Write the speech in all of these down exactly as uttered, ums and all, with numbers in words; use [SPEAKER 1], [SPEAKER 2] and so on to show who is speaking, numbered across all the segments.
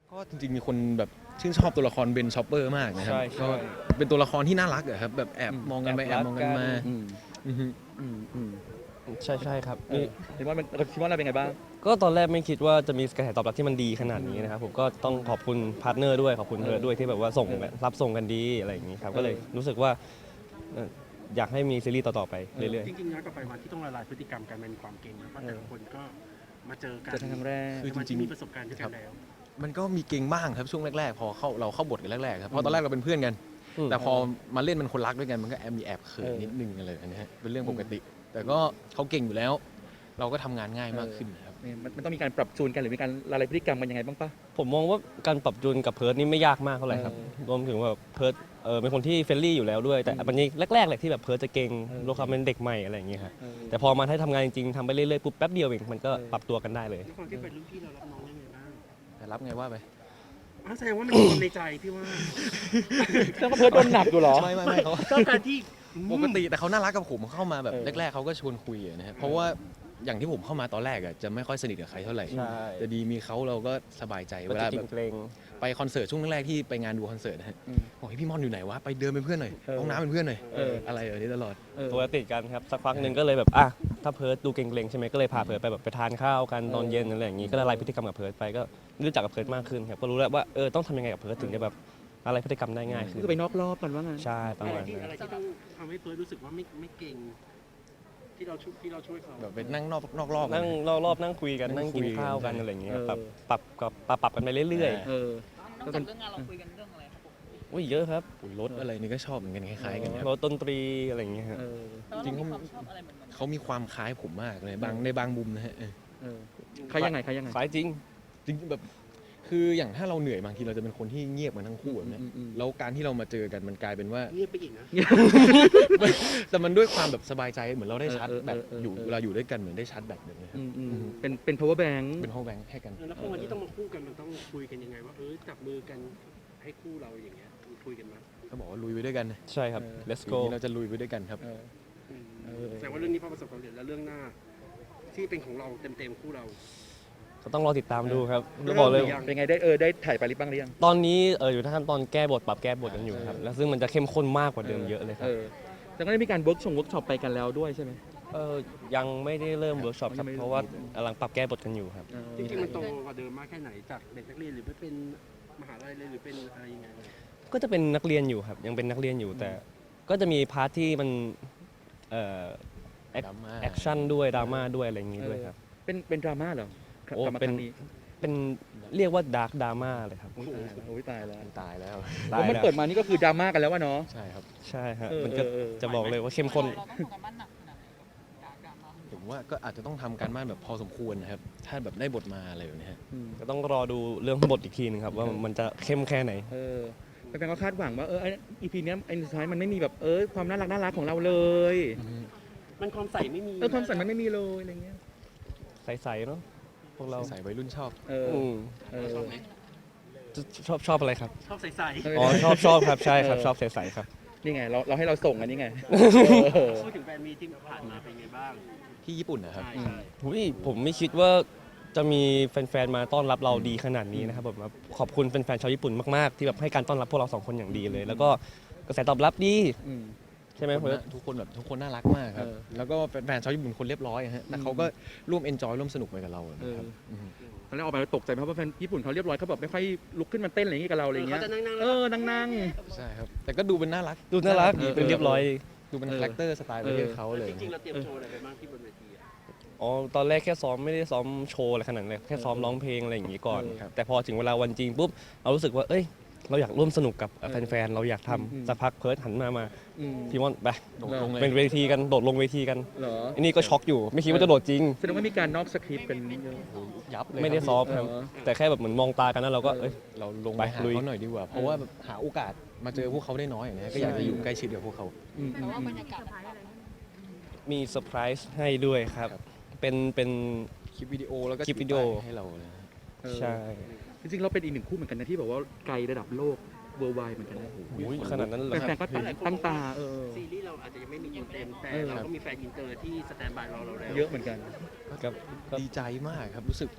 [SPEAKER 1] ก็จริงๆมีคนแบบชื่นชอบตัวละครเบนชอปเปอร์มากนะครับก็เป็นตัวละครที่น่ารักอะครับแบบแอบมองกันไปแอบมองกันมา
[SPEAKER 2] อืม
[SPEAKER 1] อือฮึ
[SPEAKER 2] อืมอืม
[SPEAKER 3] ใช่ใช่ครับ
[SPEAKER 2] เออเห็นว่ามันคิดว่าเราเป็นไงบ้าง
[SPEAKER 3] ก็ตอนแรกไม่คิดว่าจะมีกระแสตอบรับที่มันดีขนาดนี้นะครับผมก็ต้องขอบคุณพาร์ทเนอร์ด้วยขอบคุณเธอด้วยที่แบบว่าส่ง
[SPEAKER 2] เออ
[SPEAKER 3] รับส่งกันดีอะไรอย่างนี้ครับก็เลย
[SPEAKER 2] เออ
[SPEAKER 3] รู้สึกว่าเอ่ออยากให้มีซีรีส์ต่อๆไปเรื่อย
[SPEAKER 4] จริงๆย้อนกลับไปวันที่ต้องละลายพฤติกรรมกันมันมีความเก่งนะเพราะแต่ละคนก็มาเจอกัน
[SPEAKER 2] เจอครั้งแรก
[SPEAKER 1] คือ
[SPEAKER 4] แต่มันมีประสบการณ์ด้วยกันแล้ว
[SPEAKER 1] มันก็มีเก่งบ้างครับช่วงแรกๆ พอเข้าเราเข้าบทกันแรกๆครับเพราะตอนแรกเราเป็นเพื่อนกัน
[SPEAKER 3] ๆอืม
[SPEAKER 1] แต่พอมาเล่นเป็นคนรักด้วยกันมันก็แอบมีแอบเขิน
[SPEAKER 2] เออ
[SPEAKER 1] นิดนึงอะไรแบบนี้ฮะเป็นเรื่องปกติ แต่ก็เขาเก่งอยู่แล้ว เราก็ทำงานง่ายมากขึ้นครับ
[SPEAKER 2] เนี่ยมันมันต้องมีการปรับจูนกันหรือมีการละลายพฤติกรรมกันยังไงบ้างปะ
[SPEAKER 3] ผมมองว่าการปรับจูนกับเพิร์ดนี่ไม่ยากมากเท่าไหร่ครับ
[SPEAKER 2] เออ
[SPEAKER 3] รวมถึงว่าเพิร์ดเออเป็นคนที่เฟรนลี่อยู่แล้วด้วยแต่
[SPEAKER 2] อืม
[SPEAKER 3] มันนี้แรกๆแหละที่แบบเพิร์ดจะเก่ง
[SPEAKER 2] เออ
[SPEAKER 3] ด้วยความเป็นเด็กใหม่อะไรอย่างเงี้ยครับ
[SPEAKER 2] เออ
[SPEAKER 3] แต่พอมาให้ทำงานจริงๆทำไปเรื่อยๆปุ๊บแป๊บเดียวเองมันก็
[SPEAKER 2] เออ
[SPEAKER 3] ปรับตัวกันได้เลย
[SPEAKER 4] ด้วยความที่เป็นรุ่นพี่เรารับน้องยังไงบ้าง
[SPEAKER 1] แต่รับไงว่าไป
[SPEAKER 4] อ้าวแสดงว่ามันมีความในใจพี่ว่า
[SPEAKER 2] เรื่องเพิร์ดโดนหนักอยู่เหรอ
[SPEAKER 1] ไม่ไม่ไม่เขา
[SPEAKER 4] ชอบการที่
[SPEAKER 1] ปกติแต่เขาน่ารักกับผมเข้ามาแบบ
[SPEAKER 2] เออ
[SPEAKER 1] แรกๆเขาก็ชวนคุยอะนะฮะเพราะว่าอย่างที่ผมเข้ามาตอนแรกอะจะไม่ค่อยสนิทกับใครเท่าไหร่
[SPEAKER 3] ใช่
[SPEAKER 1] แต่ดีมีเขาเราก็สบายใจ
[SPEAKER 3] ก็
[SPEAKER 1] เว
[SPEAKER 3] จะ
[SPEAKER 1] ลา
[SPEAKER 3] กิ
[SPEAKER 1] แบ
[SPEAKER 3] น
[SPEAKER 1] บ
[SPEAKER 3] เกรง
[SPEAKER 1] ไปคอนเสิร์ตช่วงแรกๆที่ไปงานดูคอนเสิร์ตนะฮะ
[SPEAKER 2] อืม
[SPEAKER 1] บอกให้พี่ม่อนอยู่ไหนวะไปเดินเป็นเพื่อนหน่อย
[SPEAKER 2] เออ
[SPEAKER 1] ห้องน้ำเป็นเพื่อนหน่อย
[SPEAKER 2] เออ
[SPEAKER 1] อะไรแบบนี้ตลอด
[SPEAKER 2] เออ
[SPEAKER 3] ตัวติดกันครับสักพักหนึ่งก็เลยแบบอ่ะถ้าเพิร์ดดูเกรงๆใช่ไหมก็เลยพาเพิร์ดไปแบบไปทานข้าวกันตอนเย็นอะไรอย่างงี้ก็ละลายพฤติกรรมกับเพิร์ดไปก็รู้จักกับเพิร์ดมากขึ้นครับก็รู้แล้วว่าเออต้องทำยังไงกับเพิร์ดถึงจะแบบอะไรพฤติกรรมได้ง่ายขึ้น
[SPEAKER 2] คือไปนอกรอบกันว่างั้น
[SPEAKER 3] ใช่ประ
[SPEAKER 4] อะไร
[SPEAKER 3] มาณ
[SPEAKER 4] ที่
[SPEAKER 3] นั้
[SPEAKER 4] อะไร
[SPEAKER 3] น
[SPEAKER 4] ที่ต้องทำให้เฟิร์สรู้สึกว่าไม่ไม่เก่ง ที่เราช่วยที่เราช่วยเขา
[SPEAKER 1] แบบไปนั่งนอกนอกรอบ
[SPEAKER 3] นั่งรอบๆนั่งคุยกัน
[SPEAKER 1] นั่
[SPEAKER 3] นั่
[SPEAKER 1] ง
[SPEAKER 3] ง
[SPEAKER 1] คุ
[SPEAKER 3] กิ
[SPEAKER 1] ย
[SPEAKER 3] นข้าว
[SPEAKER 1] กั
[SPEAKER 3] กัน นอะไรอย่างเงี้ย
[SPEAKER 2] เออ
[SPEAKER 3] ปรับปรับกับปรับปรับกันไปเรื่อย
[SPEAKER 2] เออ
[SPEAKER 5] นอกจากเรื่องงานเราคุยกันเรื่องอะไรครับผม
[SPEAKER 3] ๆอุ้ยเยอะครับ
[SPEAKER 1] อุ่นรถอะไรนี่ก็ชอบเหมือนกันคล้ายๆกันครับ
[SPEAKER 3] รถดนตรีอะไรอย่างเงี้ยฮะ
[SPEAKER 2] เออ
[SPEAKER 5] แต่ว่า
[SPEAKER 1] จริ
[SPEAKER 5] เรา
[SPEAKER 1] งๆ
[SPEAKER 5] มีความชอบอะไรเหมือนกัน
[SPEAKER 1] เขามีความคล้ายผมมากเลยบางในบางมุมนะฮะเออ
[SPEAKER 2] เออใครยังไงใครยังไง
[SPEAKER 3] สายจริง
[SPEAKER 1] จริงๆแบบคืออย่างถ้าเราเหนื่อยบางทีเราจะเป็นคนที่เงียบกันทั้งคู่แบบเนี้ย
[SPEAKER 2] อืมอืม
[SPEAKER 1] แล้วการที่เรามาเจอกันมันกลายเป็นว่า
[SPEAKER 4] เงียบไปอีกนะ
[SPEAKER 1] แต่มันด้วยความแบบสบายใจเหมือนเราได้ชาร์จ
[SPEAKER 2] เออเออ
[SPEAKER 1] แบต
[SPEAKER 2] เออ
[SPEAKER 1] อยู่
[SPEAKER 2] เออ
[SPEAKER 1] เวลาอยู่ด้วยกันเหมือนได้ชาร์จแบตแบบนี้ครับ
[SPEAKER 2] อืมอืม
[SPEAKER 1] อืม
[SPEAKER 2] เป็นเป็น power bank
[SPEAKER 1] เป็นห้องแบงค์ให้กัน
[SPEAKER 4] แล้วพอวันที่ต้องมาคู่กันมันต้องคุยกันยังไงว่าเออจับมือกันให้คู่เราอย่างเงี้ยมีคุยกันไหม
[SPEAKER 1] ก็บอกว่าลุยไปด้วยกัน
[SPEAKER 3] ใช่ครับ
[SPEAKER 2] เออ
[SPEAKER 3] let's
[SPEAKER 1] ปี
[SPEAKER 3] go
[SPEAKER 1] นี้เราจะลุยไปด้วยกันครับ
[SPEAKER 2] เออ
[SPEAKER 4] อืม
[SPEAKER 2] เออ
[SPEAKER 4] แสดงว่าเรื่องนี้พอประสบความสำเร็จแล้วเรื่องหน้า ที่เป็นของเราเต็มๆคู่เรา
[SPEAKER 3] ก็ต้องรอติดตามดูครับแล้วบอกเลย
[SPEAKER 4] เริ่มหรือยัง
[SPEAKER 2] เป็นไงได้เออได้ถ่ายไปหรือบ้างหรือยัง
[SPEAKER 3] ตอนนี้เอออยู่ในขั้นตอนแก้บทปรับแก้บทกันอยู่ครับแล้วซึ่งมันจะเข้มข้นมากกว่าเดิมเยอะเลยครั
[SPEAKER 2] เอบ อแต่ก็ได้มีการเวิร์กชงเวิร์กช็อปไปกันแล้วด้วยใช่ไหม
[SPEAKER 3] เออยังไม่ได้เริ่มเวิร์กช็อปครับ
[SPEAKER 2] ยังไม่
[SPEAKER 3] เพราะว่ากำลังปรับแก้บทกันอยู่ครับ
[SPEAKER 2] เออ
[SPEAKER 4] จริงๆมันโตกว่าเดิมมากแค่ไหนจากเด็กนักเรียนหรือไม่เป็นมหาลัยเลยหรือเป็นอะไรยังไงเลย
[SPEAKER 3] ก็จะเป็นนักเรียนอยู่ครับยังเป็นนักเรียนอยู่แต่ก็จะมีพาร์ทที่มันเอ่อ แอค
[SPEAKER 1] ดราม่า
[SPEAKER 3] แอคชั่นด้วยดราม่าด้วยอะไรอย่างงี้ด้วยครับ
[SPEAKER 2] เป็นเป็นดราม่าเหรอ
[SPEAKER 3] โอ้
[SPEAKER 2] กลับมา
[SPEAKER 3] เป็น
[SPEAKER 2] ครั้งนี้
[SPEAKER 3] เป็นเรียกว่าดาร์กดราม่าเลยครับ
[SPEAKER 2] โอ้โหโอ้ยตายแล้ว
[SPEAKER 1] มันตายแล้ว
[SPEAKER 3] ตา
[SPEAKER 2] แล้
[SPEAKER 3] ยว
[SPEAKER 2] มัน
[SPEAKER 3] แล้ว
[SPEAKER 2] เปิดมานี่ก็คือดราม่ากันแล้ววะเนาะ
[SPEAKER 1] ใช่ครับ
[SPEAKER 3] ใช่ฮะ
[SPEAKER 2] เออ
[SPEAKER 3] มันก็
[SPEAKER 2] เออเออ
[SPEAKER 3] จะบอกเลยว่าเข้มข้น
[SPEAKER 5] เราต้องทำกันบ้านหนักขนาดไหนกับการมา
[SPEAKER 1] ผมว่าก็อาจจะต้องทำการบ้านแบบพอสมควรนะครับ ถ้าแบบได้บทมาอะไรแบบนี้ฮะ
[SPEAKER 2] อืม
[SPEAKER 3] ก็ต้องรอดูเรื่องบทอีกทีหนึงครับว่ามันจะเข้มแค่ไหน
[SPEAKER 2] เออแฟนๆก็คาดหวังว่าเอออีพีเนี้ยไอ้สุดท้ายมันไม่มีแบบเออความน่ารักน่ารักของเราเลย
[SPEAKER 4] มันความใส่ไม่มี
[SPEAKER 2] เออความสันมันไม่มีเลยอะไรเงี้ย
[SPEAKER 3] ใสๆเนาะพวกเรา
[SPEAKER 1] ใส่วัยรุ่นชอบ
[SPEAKER 2] เออ
[SPEAKER 3] อืม
[SPEAKER 2] เออ
[SPEAKER 4] ชอบไหม
[SPEAKER 3] ชอบชอบอะไรครับ
[SPEAKER 4] ชอบใส่
[SPEAKER 2] เออ
[SPEAKER 3] อ๋อชอบชอบครับใช่ครับ
[SPEAKER 2] เออ
[SPEAKER 3] ชอบใสๆครับ
[SPEAKER 2] นี่ไงเราเราให้เราส่งอันนี้ไง
[SPEAKER 4] ๆพูดถึงแฟนมีที่ผ่านมาเป็นไงบ้าง
[SPEAKER 1] ที่ญี่ปุ่นนะครับ
[SPEAKER 4] ใช่ใช่
[SPEAKER 3] หุยผมไม่คิดว่าจะมีแฟนๆ มาต้อนรับเราดีขนาดนี้นะครับผมขอบคุณแฟนๆ ชาวญี่ปุ่นมากๆ ที่แบบให้การต้อนรับพวกเราสองคนอย่างดีเลย แล้วก็กระแสตอบรับดี
[SPEAKER 2] อืม
[SPEAKER 3] ใช่ไหม
[SPEAKER 1] ทุก
[SPEAKER 3] เพิ
[SPEAKER 1] คน
[SPEAKER 3] ร์ด
[SPEAKER 1] น่ะทุกคนแบบทุกคนน่ารักมากครับ
[SPEAKER 2] เออ
[SPEAKER 1] แล้วก็แฟนๆชาวญี่ปุ่นคนเรียบร้อยฮะแต่เขาก็ร่วมเอนจอยร่วมสนุกไปกับเรานะครับม
[SPEAKER 2] ตอนแรกออกไปตกใจเพราะว่าแฟนญี่ปุ่นเขาเรียบร้อยเขาแบบไม่ค่อยลุกขึ้นมาเต้นอะไรอย่างงี้กับเราอะไร
[SPEAKER 4] เออ
[SPEAKER 2] เงี้
[SPEAKER 4] เขา
[SPEAKER 2] ย
[SPEAKER 4] จะนั่งๆ
[SPEAKER 2] เอ
[SPEAKER 4] แล้ว
[SPEAKER 2] อนั่งนั่ง
[SPEAKER 1] ใช่ครับ แต่ก็ดูเป็นน่ารัก
[SPEAKER 3] ดูน่ารัก
[SPEAKER 2] เออ
[SPEAKER 3] เป็นเรียบร้อย
[SPEAKER 1] ดูเป็น
[SPEAKER 2] เออ
[SPEAKER 1] คาแรคเตอร์สไตล์ประเทศเขาเลย
[SPEAKER 4] จริงๆเราเตรียมโชว์อะไรไปบ้างที่บนเวทีอะ
[SPEAKER 3] อ๋อตอนแรกแค่ซ้อมไม่ได้ซ้อมโชว์อะไรขนาดนั้นเลยแค่ซ้อมร้องเพลงอะไรอย่างงี้ก่อน
[SPEAKER 2] เออ
[SPEAKER 3] ครับแต่พอถึงเวลาวันจริงปุ๊บเรารู้สึกว่าเอ้ยเราอยากร่วมสนุกกับ
[SPEAKER 2] เออ
[SPEAKER 3] แฟนๆ เราอยากท
[SPEAKER 2] อืม
[SPEAKER 3] ำสักพักเพิร์ดหันมามา
[SPEAKER 2] อืม
[SPEAKER 3] พี่มอนไป
[SPEAKER 1] โดดลงเลย
[SPEAKER 3] เป็นเวทีกันโดดลงเวทีกัน
[SPEAKER 2] เหรอ
[SPEAKER 3] อันนี้ก็ช็อกอยู่ไม่คิดว่าจะโดดจริง
[SPEAKER 2] แสดงว่ามีการนอกสคริปต์เป็นเยอะ
[SPEAKER 1] ยับเลย
[SPEAKER 3] ไม่ได้
[SPEAKER 1] ครับ
[SPEAKER 3] ซ้อมครับ
[SPEAKER 2] เออ
[SPEAKER 3] แต่แค่แบบเหมือนมองตากันแล้วเราก็
[SPEAKER 2] เออ
[SPEAKER 3] เอ้ย
[SPEAKER 1] เราลงไปหา
[SPEAKER 3] ไปลุย
[SPEAKER 1] เขาหน่อยดีกว่า เพราะว่าแบบหาโอกาสมาเจอพวกเขาได้น้อยอย่างเงี้ยก็อยากจะอยู่ใกล้ชิดกับพวกเขา
[SPEAKER 2] อืม
[SPEAKER 5] แต่
[SPEAKER 2] อืม
[SPEAKER 5] ว่า
[SPEAKER 2] อื
[SPEAKER 5] บร
[SPEAKER 2] ม
[SPEAKER 5] รยากาศมันแบบ
[SPEAKER 3] มีเซอร์ไพรส์ให้ด้วยครับ
[SPEAKER 1] ครับ
[SPEAKER 3] เป็นเป็น
[SPEAKER 1] คลิปวิดีโอแล้วก็
[SPEAKER 3] คลิปวิดีโอ
[SPEAKER 1] ถือป้ายให้เราเลยนะ
[SPEAKER 2] เออ
[SPEAKER 3] ใช่
[SPEAKER 2] จริงๆเราเป็นอีกหนึ่งคู่เหมือนกันนะที่แบบว่าไกลระดับโลกเวอร์ไวเหมือนกันนะ
[SPEAKER 3] อุ๊ยขนาดนั้นเหรอค
[SPEAKER 2] แฟ
[SPEAKER 3] รับ
[SPEAKER 2] นๆก็ตั้งตาเออ
[SPEAKER 4] ซีรีส์เราอาจจะยังไม่มีตัวเต็มแต่
[SPEAKER 2] เออ
[SPEAKER 4] เราก็มีแฟนอินเตอร์ที่สแตนบายรอเราแล้ว
[SPEAKER 2] เยอะเหมือนกัน
[SPEAKER 3] ครับ
[SPEAKER 1] ดีใจมากครับรู้สึกข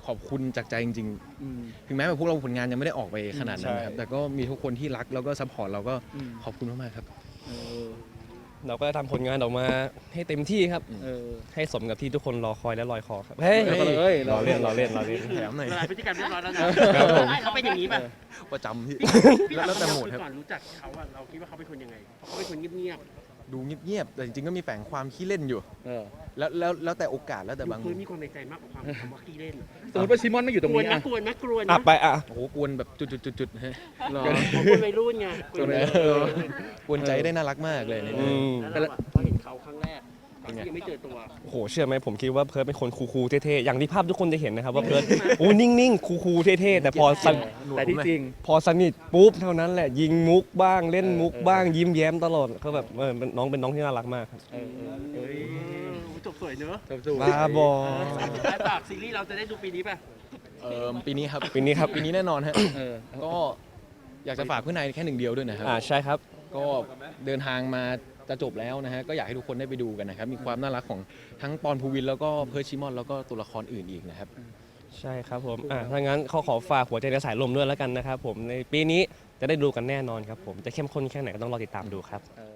[SPEAKER 1] ขอบคุณจากใจจริง
[SPEAKER 2] อืม
[SPEAKER 1] ๆ ถึงแม้แบบพวกเราผลงานยังไม่ได้ออกไปขนาดนั้นนะครับ
[SPEAKER 3] ใช่
[SPEAKER 1] แต่ก็มีทุกคนที่รักแล้วก็ซัพพอร์ตเราก็
[SPEAKER 2] อืม
[SPEAKER 1] ขอบคุณมากๆครับ
[SPEAKER 2] เออ
[SPEAKER 3] เราก็ทำผลงานออกมาให้เต็มที่ครับ
[SPEAKER 2] เออ
[SPEAKER 3] ให้สมกับที่ทุกคนรอคอยและลอยคอครับเฮ้ย
[SPEAKER 2] เอาไปเลย
[SPEAKER 3] รอเล่นรอเล่นรอเล่น
[SPEAKER 1] แถมหน่อย
[SPEAKER 4] ละลายพฤติกรรมเรียบร้อยแล้วนะครับ
[SPEAKER 3] ผม
[SPEAKER 4] เขาเป็นอย่างนี้ป่ะ
[SPEAKER 1] ประจำพี่
[SPEAKER 4] พี่
[SPEAKER 1] แล้ว
[SPEAKER 4] ถาม
[SPEAKER 1] แล้วแต่
[SPEAKER 4] คำ
[SPEAKER 1] โห
[SPEAKER 4] เดียวคือ
[SPEAKER 1] มดครับ
[SPEAKER 4] ก่อนรู้จักเขาอะเราคิดว่าเขาเป็นคนยังไงเขาเป็นคนเงียบ
[SPEAKER 1] ดูเงียบๆแต่จริงๆก็มีแฝงความขี้เล่นอยู่
[SPEAKER 2] เออ
[SPEAKER 1] แล้วแล้วแล้วแต่โอกาสแล้ว
[SPEAKER 4] ๆ
[SPEAKER 1] แต่
[SPEAKER 4] ดู
[SPEAKER 1] บาง
[SPEAKER 4] พื้นมีความในใจมากกว่าความคำว่าขี้เล่น
[SPEAKER 2] สมมติว่าชิมอนไม่อยู่ตรง
[SPEAKER 4] กวน
[SPEAKER 2] นี้
[SPEAKER 4] นะ
[SPEAKER 2] อ่ะ
[SPEAKER 4] กวนนะกวน
[SPEAKER 3] อ่ะ
[SPEAKER 4] นะ
[SPEAKER 3] ไปอ่ะ
[SPEAKER 1] โอ้โหกวนแบบจุดๆๆๆฮะ
[SPEAKER 2] เหรอ
[SPEAKER 4] ของคนวัยรุ่นไงกวนวัยรุ่น
[SPEAKER 1] กวนใจได้น่ารักมากเลยใน
[SPEAKER 3] อื
[SPEAKER 1] นี้
[SPEAKER 3] ม
[SPEAKER 4] แล้วเราอะพอเห็นเขาครั้งแรกตอนที่ยังไม่เจอตัว
[SPEAKER 3] โอ้โหเชื่อไหมผมคิดว่าเพิร์ดเป็นคนคูลๆเท่ๆอย่างที่ภาพทุกคนจะเห็นนะครับว่าเพิร์ดโอ้นิ่งๆคูลๆเท่ๆแต่พอสน
[SPEAKER 2] แต่ที่จริง
[SPEAKER 3] พอสนิทปุ๊บเท่านั้นแหละยิงมุกบ้างเล่นมุกบ้างยิ้มแย้มตลอดก็แบบเออเป็นน้องเป็นน้องที่น่ารักมากครับ
[SPEAKER 2] เออเออเอ้ย
[SPEAKER 4] จบสวยเนอะ
[SPEAKER 2] จบสู่
[SPEAKER 3] บ้าบอ
[SPEAKER 4] ไอ้ฝากซีรีส์เราจะได้ดูปีนี้ป่ะ
[SPEAKER 1] เอ่อปีนี้ครับ
[SPEAKER 3] ปีนี้ครับ
[SPEAKER 1] ปีนี้แน่นอนฮะ
[SPEAKER 2] เออ
[SPEAKER 1] ก็อยากจะฝากเพื่อนนายแค่หนึ่งเดียวด้วยนะครับ
[SPEAKER 3] อ่าใช่ครับ
[SPEAKER 1] ก็เดินทางมาจะจบแล้วนะฮะก็อยากให้ทุกคนได้ไปดูกันนะครับ มีความน่ารักของทั้งปอนภูวินแล้วก็เพิร์ชชิมอนแล้วก็ตัวละครอื่นอีกนะครับ
[SPEAKER 3] ใช่ครับผมอ่าถ้างั้นเขาขอฝากหัวใจในสายลมด้วยแล้วกันนะครับผมในปีนี้จะได้ดูกันแน่นอนครับผมจะเข้มข้นแค่ไหนก็ต้องรอติดตามดูครับ
[SPEAKER 2] เออ